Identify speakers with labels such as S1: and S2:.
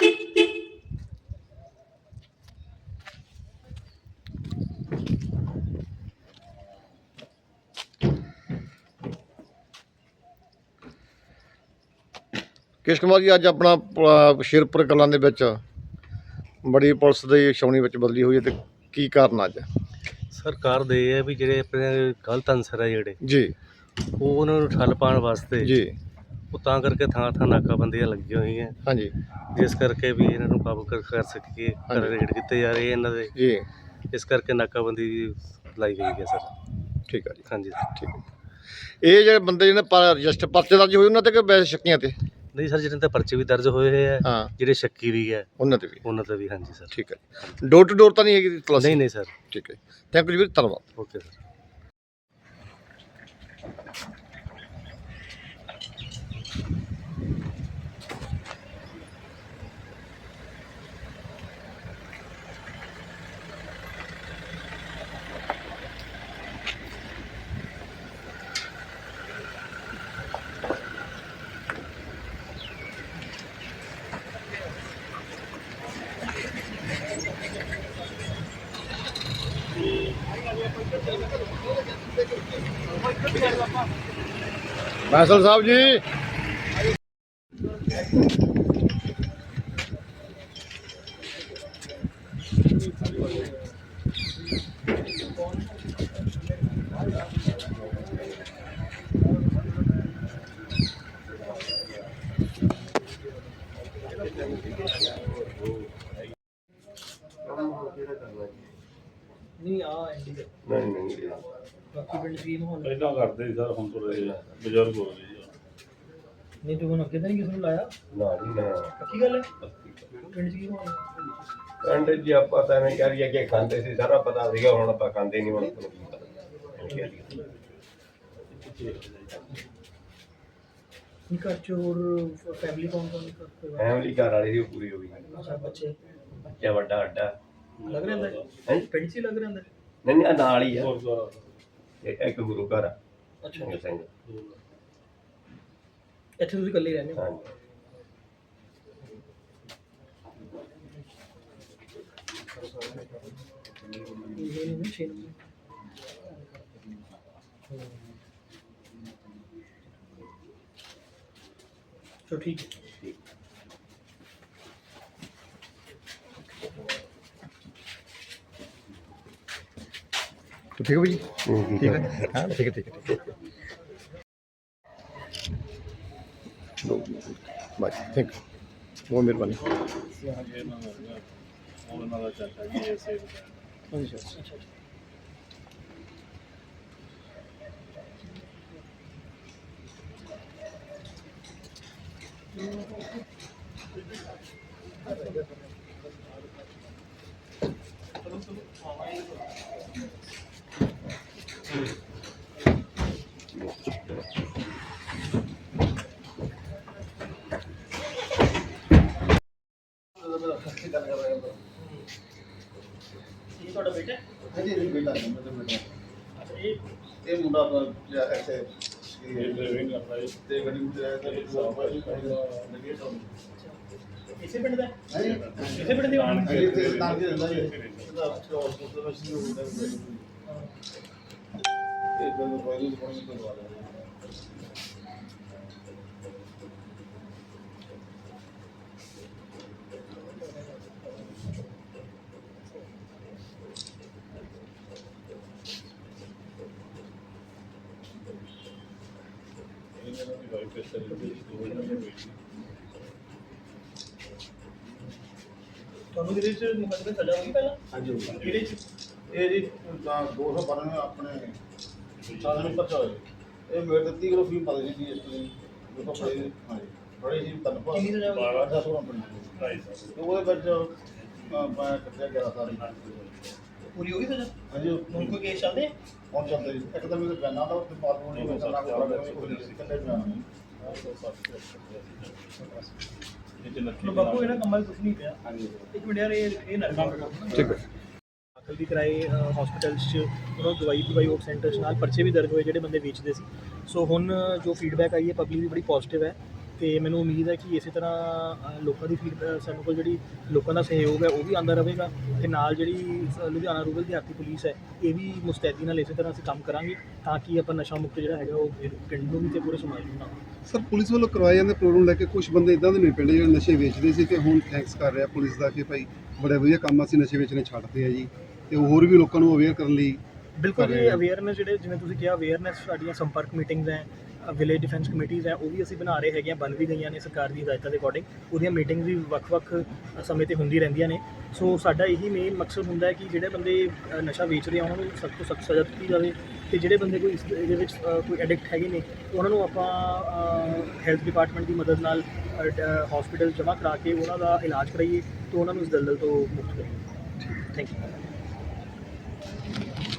S1: ਕਿਸ਼ ਕੁਮਾਰ ਜੀ, ਅੱਜ ਆਪਣਾ ਸ਼ੇਰਪੁਰ ਕਲਾਂ ਦੇ ਵਿੱਚ ਬੜੀ ਪੁਲਿਸ ਦੀ ਛਾਉਣੀ ਵਿੱਚ ਬਦਲੀ ਹੋਈ ਹੈ, ਤੇ ਕੀ ਕਾਰਨ ਅੱਜ?
S2: ਸਰਕਾਰ ਦੇ ਇਹ ਹੈ ਵੀ ਜਿਹੜੇ ਆਪਣੇ ਗਲਤ ਅਨਸਰ ਹੈ ਜਿਹੜੇ
S1: ਜੀ
S2: ਉਹ ਉਹਨਾਂ ਨੂੰ ਠੱਲ ਪਾਉਣ ਵਾਸਤੇ
S1: ਜੀ
S2: ਉਹ ਤਾਂ ਕਰਕੇ ਥਾਂ ਥਾਂ ਨਾਕਾਬੰਦੀਆਂ ਲੱਗੀਆਂ ਹੋਈਆਂ,
S1: ਹਾਂਜੀ
S2: ਜਿਸ ਕਰਕੇ ਵੀ ਇਹਨਾਂ ਨੂੰ ਕਾਬੂ ਕਰ ਸਕੀਏ। ਰੇਡ ਕੀਤੇ ਜਾ ਰਹੇ ਇਹਨਾਂ ਦੇ,
S1: ਜੀ
S2: ਇਸ ਕਰਕੇ ਨਾਕਾਬੰਦੀ ਲਾਈ ਗਈ ਹੈ ਸਰ।
S1: ਠੀਕ ਹੈ ਜੀ,
S2: ਹਾਂਜੀ
S1: ਠੀਕ ਹੈ। ਇਹ ਜਿਹੜੇ ਬੰਦੇ ਜਿਹਨੇ ਰਜਿਸਟਰ ਪਰਚੇ ਦਰਜ ਹੋਏ ਉਹਨਾਂ ਤੇ ਕਿ ਵੈਸੇ ਸ਼ੱਕੀਆਂ ਤੇ?
S2: ਨਹੀਂ ਸਰ, ਜਿਹਨਾਂ ਤੇ ਪਰਚੇ ਵੀ ਦਰਜ ਹੋਏ ਹੋਏ ਹੈ,
S1: ਹਾਂ,
S2: ਜਿਹੜੇ ਸ਼ੱਕੀ ਵੀ ਹੈ
S1: ਉਹਨਾਂ ਤੇ ਵੀ।
S2: ਹਾਂਜੀ ਸਰ।
S1: ਠੀਕ ਹੈ। ਡੋਰ ਟੂ ਡੋਰ ਤਾਂ ਨਹੀਂ ਹੈਗੀ ਤਲਾਸ਼ੀ?
S2: ਨਹੀਂ ਨਹੀਂ ਸਰ।
S1: ਠੀਕ ਹੈ, ਥੈਂਕ ਯੂ ਜੀ, ਧੰਨਵਾਦ।
S2: Okay sir.
S1: ਬੈਂਸਲ ਸਾਹਿਬ ਜੀ,
S3: ਨਹੀਂ ਆ ਐਂਡੀ ਦੇ
S4: ਨਹੀਂ
S3: ਬਾਕੀ ਪਿੰਡ ਸਕੀਮ ਹੋਣ
S4: ਪਹਿਲਾਂ ਕਰਦੇ ਸੀ ਸਰ, ਹੁਣ ਤੋਂ ਰਹੇ ਬਜ਼ੁਰਗ ਹੋ ਗਏ ਜੀ।
S3: ਨਹੀਂ ਤੂੰ ਹੁਣ ਅੱਗੇ ਤਾਂ ਨਹੀਂ ਕਿਸੇ ਨੂੰ ਲਾਇਆ?
S4: ਨਾ ਜੀ ਨਾ,
S3: ਪੱਕੀ ਗੱਲ ਹੈ ਪਿੰਡ ਸਕੀਮ ਹੋਣ।
S4: ਪਿੰਡ ਜੀ ਆਪਾਂ ਤਾਂ ਐਵੇਂ ਕਹਿ ਰਹੀ ਕਿ ਖਾਂਦੇ ਸੀ, ਸਾਰਾ ਪਤਾ ਸੀਗਾ, ਹੁਣ ਆਪਾਂ ਖਾਂਦੇ ਨਹੀਂ। ਹੁਣ ਤੁਹਾਨੂੰ ਕੀ ਪਤਾ
S3: ਨਹੀਂ ਘਰ ਚ ਹੋਰ ਫੈਮਿਲੀ ਕੌਣ
S4: ਫੈਮਿਲੀ ਘਰ ਵਾਲੀ ਦੀ ਪੂਰੀ ਹੋ ਗਈ।
S3: ਅੱਛਾ, ਬੱਚੇ
S4: ਬੱਚਾ ਵੱਡਾ ਅੱਡਾ
S3: ਲੱਗ ਰਿਹਾ
S4: ਹੈ,
S3: ਪਿੰਡ ਚ ਹੀ ਲੱਗ ਰਿਹਾ ਅੰਦਰ?
S4: ਨਹੀਂ ਨਾਲ ਹੀ ਆ, ਇੱਕ ਗੁਰੂ ਘਰ ਆ।
S3: ਅੱਛਾ,
S4: ਸਿੰਘ
S3: ਇੱਥੇ ਤੁਸੀਂ ਇਕੱਲੇ ਰਹਿੰਦੇ ਹੋ?
S4: ਹਾਂਜੀ।
S3: ਨਹੀਂ 6 ਨੰਬਰ। ਚਲੋ ਠੀਕ ਹੈ।
S1: ਠੀਕ ਹੈ ਭਾਈ ਜੀ, ਠੀਕ ਹੈ, ਹਾਂ ਠੀਕ ਹੈ, ਠੀਕ ਹੈ, ਠੀਕ ਹੈ। ਬਾਈ ਥੈਂਕ ਯੂ, ਬਹੁਤ ਮਿਹਰਬਾਨੀ।
S3: ਅੱਛਾ। ਇਹ ਤੁਹਾਡਾ ਬੇਟਾ?
S5: ਹਾਂਜੀ ਬੇਟਾ ਹੈ, ਮੇਰਾ ਬੇਟਾ।
S3: ਅੱਛਾ,
S5: ਇਹ ਮੁੰਡਾ ਆਪਣਾ ਇੱਥੇ ਤੇ ਗੱਡੀ ਵਿੱਚ ਆਇਆ ਤਾਂ
S3: ਇਸੇ ਪਿੰਡ ਦਾ?
S5: ਹਾਂਜੀ
S3: ਇਸੇ ਪਿੰਡ ਦੀ ਗੱਲ?
S5: ਹਾਂਜੀ ਇੱਥੇ ਤਾਂ ਕਿ ਰਹਿੰਦਾ ਜੀ ਇਹਦਾ ਹਸਪਤਾਲ ਵਿੱਚ ਹੀ ਹੁੰਦਾ ਹੈ। ਇਹ ਬੰਦੇ ਕੋਈ ਨਹੀਂ ਕੋਈ ਕਰਵਾ ਰਿਹਾ।
S3: ਤੁਹਾਨੂੰ ਕਿਹਦੇ ਚ ਮੁਕੱਦਮੇ ਸਜ਼ਾ ਹੋਈ ਪਹਿਲਾਂ?
S5: ਹਾਂਜੀ
S3: ਕਿਹਦੇ ਚ?
S5: ਇਹ ਜੀ ਤਾਂ 292 ਆਪਣੇ ਸਾਧਨ ਪਰਚਾ ਹੋਇਆ। ਇਹ ਮੇਰੇ 30 ਕਿਲੋ ਫੀਮ ਪਾ ਦਿੱਤੀ ਇਸ ਲਈ ਦੇਖੋ ਪੜੇ। ਹਾਂਜੀ ਬੜੇ ਜੀ ਤਨਪਾ
S3: ਕਿੰਨੀ ਸਜ਼ਾ ਹੋਈ?
S5: 12 ਤੇ ਉਹਦੇ ਵਿੱਚ ਮੈਂ ਕੱਟਿਆ 11 ਸਾਲ।
S3: ਪੂਰੀ ਹੋ ਗਈ ਸਜ਼ਾ?
S5: ਹਾਂਜੀ
S3: ਹੁਣ ਕੋਈ ਕੇਸ ਚੱਲਦੇ?
S5: ਹੁਣ ਚੱਲਦੇ ਜੀ। ਇੱਕ ਤਾਂ ਮੇਰੇ ਪੈਨਾਂ ਦਾ ਉੱਤੇ ਪਾਲੂ ਨਹੀਂ ਕਰਨਾ ਕੋਈ ਇਕੱਲੇ ਬਿਆਨ
S3: ਚਲੋ ਬਾਪੂ ਇਹਨਾਂ ਕੰਮਾਂ 'ਚ ਕੁਛ ਨਹੀਂ ਪਿਆ।
S5: ਹਾਂਜੀ
S3: ਇੱਕ ਮਿੰਟ ਯਾਰ, ਇਹ ਨਾ
S1: ਠੀਕ ਹੈ।
S3: ਦਾਖਲ ਵੀ ਕਰਾਏ ਹਸਪੀਟਲ 'ਚ, ਉਹਨਾਂ ਨੂੰ ਦਵਾਈ ਆਊਟ ਸੈਂਟਰ 'ਚ, ਨਾਲ ਪਰਚੇ ਵੀ ਦਰਜ ਹੋਏ ਜਿਹੜੇ ਬੰਦੇ ਵੇਚਦੇ ਸੀ। ਸੋ ਹੁਣ ਜੋ ਫੀਡਬੈਕ ਆਈ ਹੈ ਪਬਲਿਕ ਦੀ ਬੜੀ ਪੋਜ਼ਿਟਿਵ ਹੈ, ਤੇ ਮੈਨੂੰ ਉਮੀਦ ਹੈ ਕਿ ਇਸੇ ਤਰ੍ਹਾਂ ਲੋਕਾਂ ਦੀ ਸਾਨੂੰ ਕੋਲ ਜਿਹੜੀ ਲੋਕਾਂ ਦਾ ਸਹਿਯੋਗ ਹੈ ਉਹ ਵੀ ਆਉਂਦਾ ਰਹੇਗਾ ਤੇ ਨਾਲ ਜਿਹੜੀ ਲੁਧਿਆਣਾ ਰੂਰਲ ਦਿਹਾਤੀ ਪੁਲਿਸ ਹੈ ਇਹ ਵੀ ਮੁਸਤੈਦੀ ਨਾਲ ਇਸੇ ਤਰ੍ਹਾਂ ਅਸੀਂ ਕੰਮ ਕਰਾਂਗੇ ਤਾਂ ਕਿ ਆਪਾਂ ਨਸ਼ਾ ਮੁਕਤ ਜਿਹੜਾ ਹੈਗਾ ਉਹ ਪਿੰਡ ਨੂੰ ਵੀ ਤੇ ਪੂਰੇ ਸਮਾਜ ਨੂੰ ਬਣਾਵਾਂਗੇ।
S6: ਸਰ ਪੁਲਿਸ ਵੱਲੋਂ ਕਰਵਾਏ ਜਾਂਦੇ ਪ੍ਰੋਗਰਾਮ ਲੈ ਕੇ ਕੁਝ ਬੰਦੇ ਇਦਾਂ ਦੇ ਨੇ ਪਿੰਡ ਜਿਹੜੇ ਨਸ਼ੇ ਵੇਚਦੇ ਸੀ ਤੇ ਹੁਣ ਥੈਂਕਸ ਕਰ ਰਿਹਾ ਪੁਲਿਸ ਦਾ ਕਿ ਭਾਈ ਬੜਾ ਵਧੀਆ ਕੰਮ ਅਸੀਂ ਨਸ਼ੇ ਵੇਚਣੇ ਛੱਡਦੇ ਆ ਜੀ ਤੇ ਹੋਰ ਵੀ ਲੋਕਾਂ ਨੂੰ ਅਵੇਅਰ ਕਰਨ ਲਈ
S3: ਬਿਲਕੁਲ
S6: ਕਰ
S3: ਜੀ
S6: ਰਹੇ ਹਾਂ।
S3: ਅਵੇਅਰਨੈਸ ਜਿਹੜੇ ਜਿਵੇਂ ਤੁਸੀਂ ਕਿਹਾ ਅਵੇਅਰਨੈਸ ਸਾਡੀਆਂ ਸੰਪਰਕ ਮੀਟਿੰਗਸ ਹੈ ਵਿਲੇਜ ਡਿਫੈਂਸ ਕਮੇਟੀਜ਼ ਹੈ ਉਹ ਵੀ ਅਸੀਂ ਬਣਾ ਰਹੇ ਹੈਗੇ ਹਾਂ, ਬਣ ਵੀ ਗਈਆਂ ਨੇ ਸਰਕਾਰ ਦੀ ਹਦਾਇਤਾਂ ਦੇ ਅਕੋਰਡਿੰਗ। ਉਹਦੀਆਂ ਮੀਟਿੰਗਸ ਵੀ ਵੱਖ-ਵੱਖ ਸਮੇਂ ਤੇ ਹੁੰਦੀ ਰਹਿੰਦੀਆਂ ਨੇ। ਸੋ ਸਾਡਾ ਇਹੀ ਮੇਨ ਮਕਸਦ ਹੁੰਦਾ ਹੈ ਕਿ ਜਿਹੜੇ ਬੰਦੇ ਨਸ਼ਾ ਵੇਚ ਰਹੇ ਆ ਉਹਨਾਂ ਨੂੰ ਸਖਤ ਤੋਂ ਸਖਤ ਸਜ਼ਾ ਦਿੱਤੀ ਜਾਵੇ ਤੇ ਜਿਹੜੇ ਬੰਦੇ ਕੋਈ ਇਹਦੇ ਵਿੱਚ ਕੋਈ ਐਡਿਕਟ ਹੈਗੇ ਨੇ ਉਹਨਾਂ ਨੂੰ ਆਪਾਂ ਹੈਲਥ ਡਿਪਾਰਟਮੈਂਟ ਦੀ ਮਦਦ ਨਾਲ ਹਸਪੀਟਲ ਜਮ੍ਹਾਂ ਕਰਾ ਕੇ ਉਹਨਾਂ ਦਾ ਇਲਾਜ ਕਰਾਈਏ ਤੇ ਉਹਨਾਂ ਨੂੰ ਇਸ ਦਲਦਲ ਤੋਂ ਮੁਕਤ ਕਰੀਏ। Thank you.